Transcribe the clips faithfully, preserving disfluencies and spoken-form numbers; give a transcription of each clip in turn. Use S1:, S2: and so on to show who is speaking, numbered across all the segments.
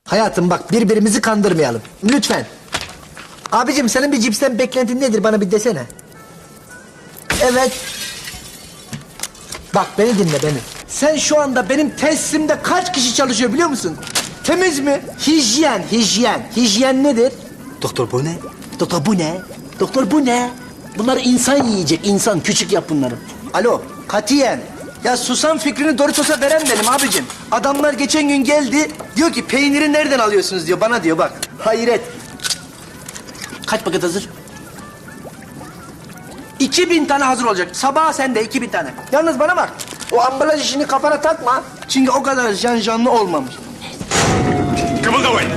S1: Hayatım bak birbirimizi kandırmayalım. Lütfen. Abicim senin bir cipsten beklentin nedir bana bir desene. Evet. Bak beni dinle beni. Sen şu anda benim tesisimde kaç kişi çalışıyor biliyor musun? Temiz mi? Hijyen, hijyen. Hijyen nedir? Doktor bu ne? Doktor bu ne? Doktor bu ne? Bunları insan yiyecek, insan. Küçük yap bunları. Alo, katiyen. Ya susam fikrini Doritos'a veren benim abicim. Adamlar geçen gün geldi, diyor ki peyniri nereden alıyorsunuz diyor, bana diyor bak. Hayret. Kaç paket hazır? İki bin tane hazır olacak. Sabaha sende iki bin tane. Yalnız bana bak. O ambalaj işini kafana takma. Çünkü o kadar can canlı olmamış.
S2: Kımıldamayın.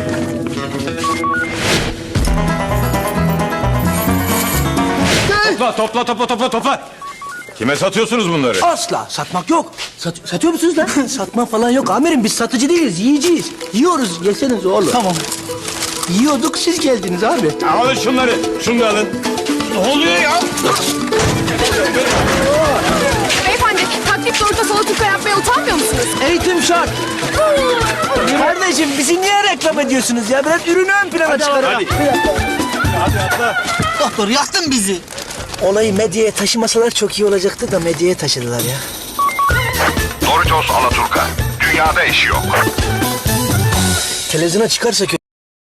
S2: Topla, topla, topla, topla, topla. Kime satıyorsunuz bunları?
S1: Asla satmak yok. Sat, satıyor musunuz lan? Satma falan yok amirim. Biz satıcı değiliz, yiyeceğiz. Yiyoruz, yeseniz oğlum. Tamam. Yiyorduk, siz geldiniz abi.
S2: Alın şunları, şunu da alın. Ne oluyor ya?
S3: Beyefendi, taklit doğrultuda salatalıkla yapmaya utanmıyor musunuz?
S1: Eğitim şart. Kardeşim bizi niye reklam ediyorsunuz ya? Biraz ürünü ön plana çıkarın.
S2: hadi. Hadi atla.
S1: Doktor yaktın bizi. Olayı medyaya taşımasalar çok iyi olacaktı da medyaya taşıdılar ya.
S4: Doritos Alaturka. Dünyada eşi yok.
S1: Televizyona çıkarsa kötü.